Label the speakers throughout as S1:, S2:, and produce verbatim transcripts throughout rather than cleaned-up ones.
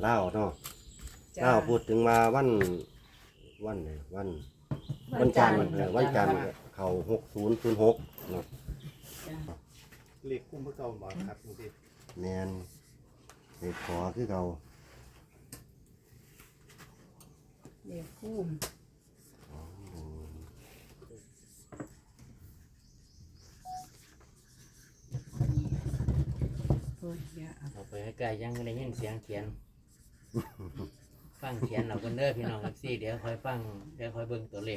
S1: เล่าเนาะเล่าพูดถึงมาวันวันไหนวันวันจันทร์เออวันจันทร์เขาหกศูนย์ศูนย์หกเนาะ
S2: เลขคุ้มเพื่อเก่าบ่ครับบางที
S1: แมนเด็กขอคือเขา
S3: เด็กคุ้มโอ้ยอย่าเอา
S4: เอาไปใกล้ๆยังได้ยินเสียงเขียน ฟังเขียนเอาคนเด้อพี่น้องครับซี่เดี๋ยวคอยฟังเดี๋ยวคอยเบิ่งตัวเลข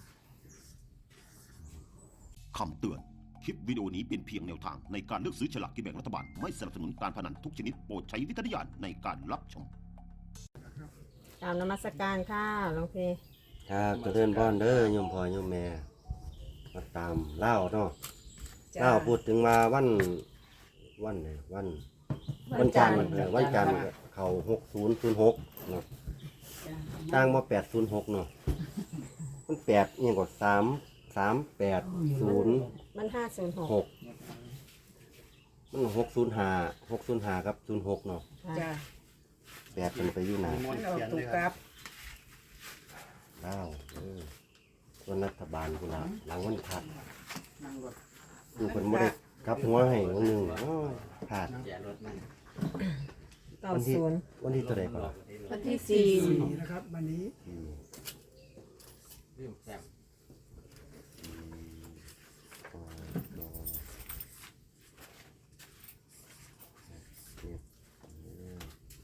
S5: คำเตือน คลิปวิดีโอนี้เป็นเพียงแนวทางในการเลือกซื้อฉลากกินแบ่งรัฐบาล ไม่สนับสนุนการพนันทุกชนิดโปรดใช้วิจารณญาณในการรับชม
S3: ตามนมัสการค่ะหลวงพี่
S1: ครับเจะเลื่อนบ้านเด้อโยมพ่อโยมแม่มาตามเล่าเนาะเล่าพูดถึงมาวันวันไหนวันวันจันทร์เออวันจันทร์เขาหกศูนย์ศูนย์หกเนาะตั้งมาแปดศูนย์หกเนาะมันแปดเนี่ยก็สามสามแปดศูนย์
S3: มันห้าศูนย์หก
S1: หกมันหกศูนย์ห้าหกศูนย์ห้าครับศูนย์หกเนาะ
S3: จ้ะ
S1: แปดเป็นไปอยู่หนา
S2: มีมอน
S3: มันออก
S2: เขียน
S3: ตุ
S2: เลย
S3: ก
S2: ค
S3: ก
S2: รั
S3: ลั
S2: บบ
S1: เล่าเออส่วนรัฐบาลกูละหลังวันพัดดูคนไม่ได้กลับหัวให้วันหนึ่งอ้าวขาด
S4: อย่ารถมัน
S3: เก้า
S1: วันที่
S3: ศูนย์
S1: วันที่เท่าไหร่ก่อน
S3: วันที่สี่
S2: นะครับวันนี้
S1: อืม
S4: ลืมแซม
S1: อ๋ออ๋อเจ็ดเออ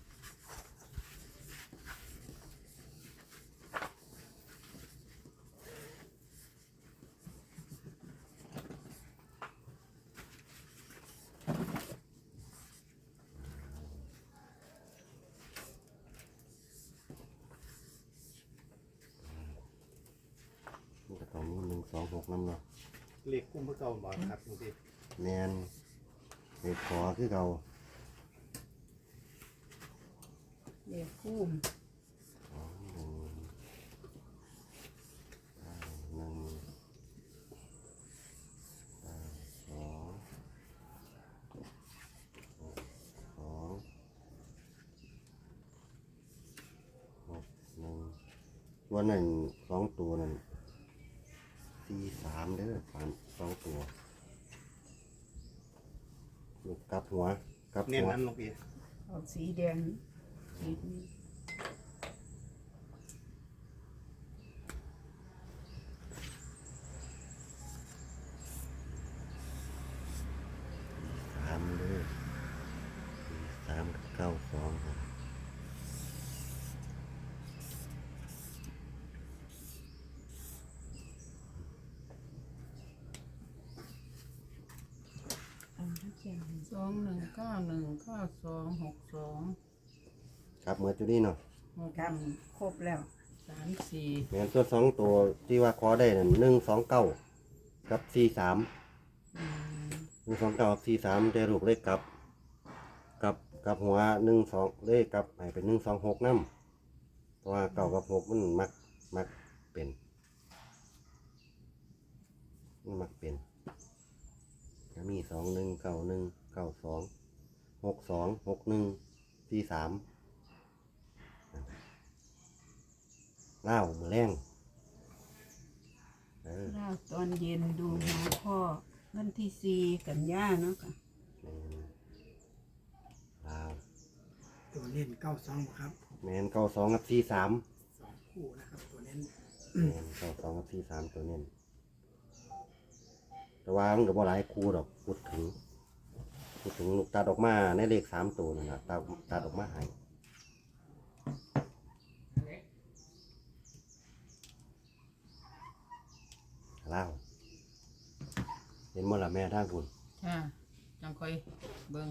S1: มันก็ต้องมีหนึ่งสองหกน้ำเนาะ
S2: เลขคุ้มเพื่อเก่าบ่ครับบางที
S1: แมนเด็กขอคือเขา
S3: เด็กคุ้ม
S1: สองหนึ่งเก้าหนึ่งเก้าสองหกสองหกหนึ่งวันนั้นสองตัวนั่นสี่สามเด้อสามสองตัวลูกกลับหัวกลับ
S2: เน้น
S1: หัว
S2: นั้นหลวงพี่
S3: ออกสีแดงขีดนี้
S1: สามเด้อสามกับเก้าสองครับ
S3: อันที่เขียน
S6: สองหนึ่งเก้าหนึ่งเก้าสองหกสอง
S1: ครับเมื่อจุดนี้เนาะ
S6: หก
S3: ครับครบแล้ว
S6: สามสี่
S1: แม่นตัวสองตัวที่ว่าขอได้นั่นหนึ่งสองเก้ากับสี่สามหนึ่งสองเก้ากับสี่สามได้ลูกเลขกลับกับกับหัวหนึ่งสองเลขกลับให้เป็นหนึ่งสองหกน้ำเพราะว่าเก้ากับหกมันมักมักเป็นมันมักเป็นก็มีสองหนึ่งเก้าหนึ่งเก้าสองหกสองหกหนึ่งสี่สามเล่ามือแรงเออ
S3: เราตอนเย็นดูหมอพ่อวันที่สี่กันยาเนาะค่ะ
S1: ลาว
S2: ตัวเน้นเก้าสองครับ
S1: แมนเก้าสองกับสี่สาม
S2: สองคู่นะครับตัวเน้น
S1: แมนเก้าสองกับสี่สามตัวเน้นแต่ว่ามันก็บ่หลายคู่ดอกพูดถึงพูดถึงลูกตัดออกมาในเลขสามตัวนั่นนะตัดตัดออกมาให้ลาวเห็นมั้ล่ะแม่ทางคุณ
S6: ค่ะจังค่อยเบิ่ง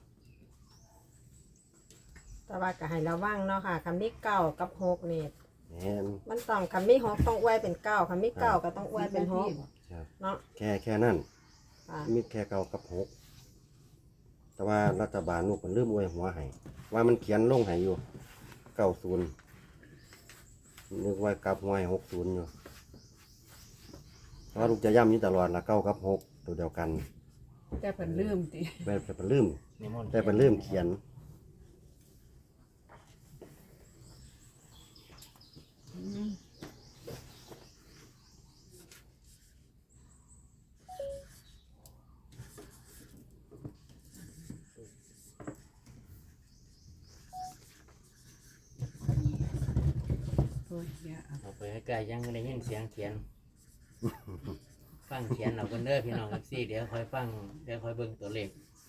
S3: แต่ว่าก็ให้ระวังเนาะค่ะคำนี้เก้ากับหกนี่
S1: แมน
S3: มันต้องคำนี้หกต้องอวยเป็นเก้าคำนี้เก้าก็ต้องอวยเป็นหก
S1: ครับ
S3: เนาะ
S1: แค่แค่นั้น
S3: ค่ะ
S1: มีแค่เก้ากับหกแต่ว่ารัฐบาลลูกมันเริ่มอวยหัวให้ว่ามันเขียนลงให้อยู่เก้าศูนย์นึกว่ากลับหัวให้หกศูนย์อยู่เพราะว่าลูกจะย้ำอยู่ตลอดละเก้ากับหกตัวเดียวกัน
S3: แต่เพิ่นลืมติ
S1: แต่เป็นลืม
S4: นิมนต์
S1: แต่เป็นลืมเขียน
S3: อ้ยอย่าเอา
S4: เอาไปใกล้ๆยังได้ยินเสียงเขียน ฟังเขียนเอากันเด้อพี่น้องเอฟซีเดี๋ยวคอยฟังเดี๋ยวคอยเบิ่งตัวเลข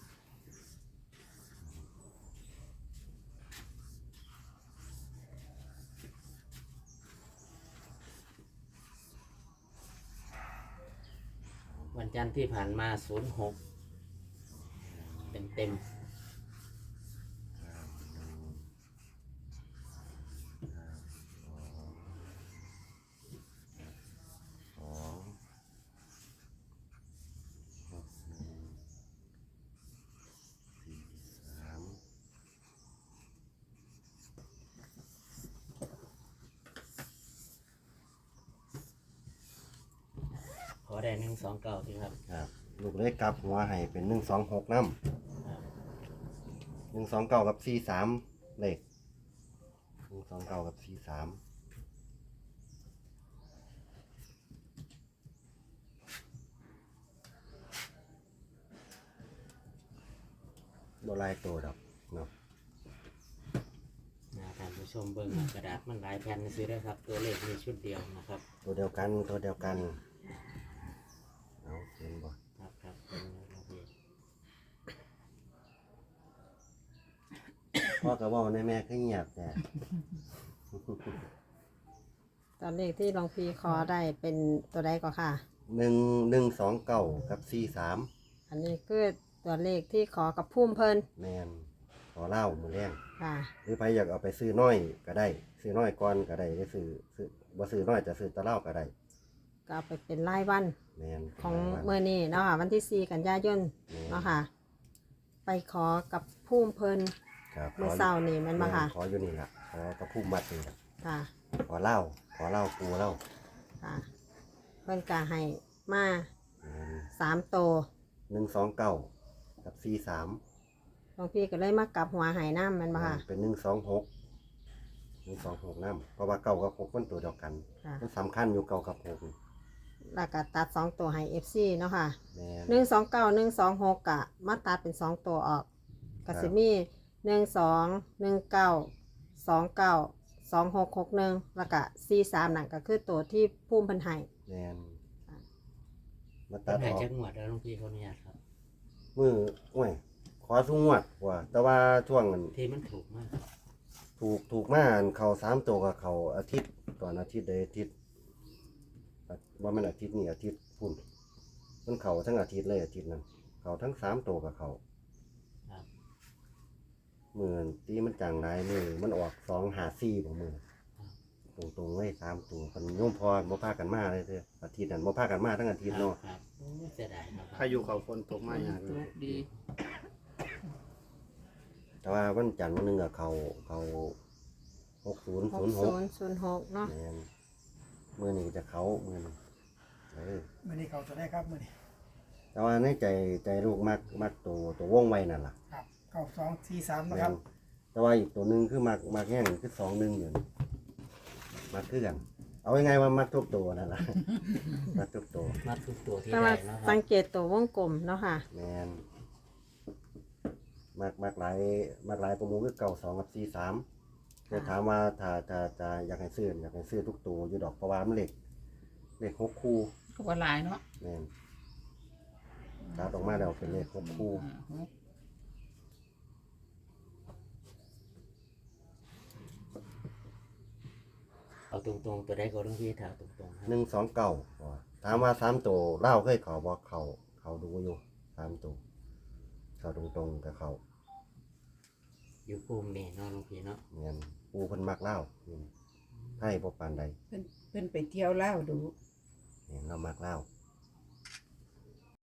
S4: วันจันทร์ที่ผ่านมาศูนย์หกเต็มเต็มๆ
S1: สองหกหนึ่งสี่สาม
S4: ขอได้หนึ่งสองเก้าสิครับ
S1: ครับลูกเล็กกลับหัวให้เป็นหนึ่งสองหกน้ำหนึ่งสองเก้ากับสี่สามเลขหนึ่งสองเก้ากับสี่สามโบราณตัวดอกเนาะ
S4: นะท่านผู้ชมเบิ่งกระดาษมันหลายแผ่นซื้อได้ครับ ตัวเลขมีชุดเดียวนะครับ
S1: ตัวเดียวกันตัวเดียวกันเอาเห็นบ่
S4: ครับครับเป็นระเบียบ
S1: พ่อก็บอกในแม่ขึ้นเงียบแต่
S7: ตอนเลขที่หลวงพี่ขอได้เป็นตัวใดก็ค่ะ
S1: หนึ่งหนึ่งสองเก้ากับสี่สาม
S7: อันนี้คือตัวเลขที่ขอกับพุ่มเพิ่น
S1: แมนขอเล่ามือแรง
S7: ค่ะ
S1: หรือใครอยากเอาไปซื้อน้อยก็ได้ ซื้อน้อยก่อนก็ได้ได้ซื้อซื้อบ่ซื้อน้อยจะซื้อตะเล่าก็ได้
S7: ก็เอาไปเป็นรายวัน
S1: แมน
S7: ของเมื่อนี้เนาะค่ะวันที่สี่กันยายน
S1: แม่น
S7: เนาะค่ะ ไปขอกับพุ่มเพิ่น
S1: ครับ
S7: เมื่อเช้านี่แมันมาค่ะ
S1: ขออยู่นี่ล่ะขอกระพุ่มมัดนี่ล่ะ
S7: ค่ะ
S1: ขอเล่าขอเล่าปูเล่า
S7: ค่ะ เพิ่นกะให้มา
S1: แม่น
S7: สามโตว
S1: หนึ่งสองเก้ากับสี่สาม
S7: หลวงพี่ก็เลยมากลับหัวใหายน้ำแมันมาค่ะ
S1: เป็นหนึ่งสองหกหนึ่งสองหกน้ำเพราะว่าเก้ากับหกมันตัวเดียวกัน
S7: ค่ะ
S1: มันสำคัญอยู่เก้ากับหก
S7: แล้วก็ตัดสองตัวให้เอฟซีเนาะค่ะ
S1: แม่น
S7: หนึ่งสองเก้าหนึ่งสองหกกะมาตัดเป็นสองตัวออก
S1: ครั
S7: ก
S1: บ
S7: สิมีหนึ่งสองหนึ่งเก้าสองเก้าสองหกหกหนึ่งแล้วก็สี่สามนั่นก็คือตัวที่พุ่มเพันไห้
S1: แมนมา
S4: ตั
S1: ตั
S4: ด
S1: ด
S4: ให้
S1: ออก
S4: จักหวดแล้วหลวงพี่เขาอนุญาตครับ
S1: มือโอ้ยขอสุ่งวดว่า แต่ว่าช่วงนั้น
S4: ที่มันถูกมาก
S1: ถูกถูกมาอันเขาสามตัวกับเขาอาทิตย์ก่อนอาทิตย์ใดอาทิตย์ว่ามันอาทิตย์นี้อาทิตย์พุ่นมันเขาทั้งอาทิตย์เลยอาทิตย์นั้นเขาทั้งสามตัวกับเขา
S4: ครับ
S1: มือตีมันจางไรมือมันออกสองหาซี่ของมือตรงตรงๆไว้สามตัวคนโยมพรบ่พากันมาเลยเด้ออาทิตย์นั้นบ่พากันมาทั้งอาทิตย์เนาะ
S4: ครับโอ้เสียดายเนาะค
S2: พา
S4: รับ
S2: ยุเขาฝนตกมาอย่าง
S6: ตกดี
S1: แต่ว่าวันจันทร์วันหนึงอะเขาเขาหกศูนย์
S7: ห
S1: ศู
S7: ก
S1: นย์ห
S7: ศู
S1: ก
S7: นย์ศูนย์หกเนาะ
S1: แม่นมือนี้จะเขามือนี้เออ
S8: มื่อนี้เขาจะได้ครับมื่อนี้
S1: แต่ว่าในใจใจลูกมักมักตัวตัวว่องไวนั่นล่ะ
S8: ครับเก้าสองสี่สามนะ
S1: แม่
S8: ครับ
S1: นแต่ว่าอีกตัวหนึ่งคือมักมักแห้งคือสองหนึ่งอยู่นี่มักคือกัน เอายังไงว่ามักทุกตัวนั่นล่ะ มักทุกตัว
S4: มาทุกตัวที่
S7: แต่
S4: ได้
S7: ว่า
S4: เนาะครั
S7: สั
S4: บ
S7: งเกตตัววงกลมเนาะค่ะ
S1: แมนมักมักหลายมักหลายประมูลคือเก่าสองกับสี่สามจะถามว่าถ้าจะจะอยากให้ซื้ออยากให้ซื้อทุกตัวอยู่ดอกเพราะว่ามันเหล็กเหล็กหกคู่
S6: ก็ว่าหลายเนาะ
S1: แมนตัดออกมาแล้วเป็นเลขหกคู่
S6: อ่าหก
S4: เอาตรงๆตัวได้ก็หลวงพี่ถามตรงๆครับ
S1: หนึ่งสองเก่าถามว่าสามตัวเล่าเคยเขาบอกเขาเขาดูอยู่สามตัวเขาตรงๆกับเขา
S4: อยู่ภูมินี่เนาะหลวงพี่เนาะ
S1: เงี้ยปูเพิ่นมักเล่านี่ให้บ่ปานใด
S3: เพิ่นเพิ่นไปเที่ยวเล่าวดู
S1: เนี่ยเรามักเล่า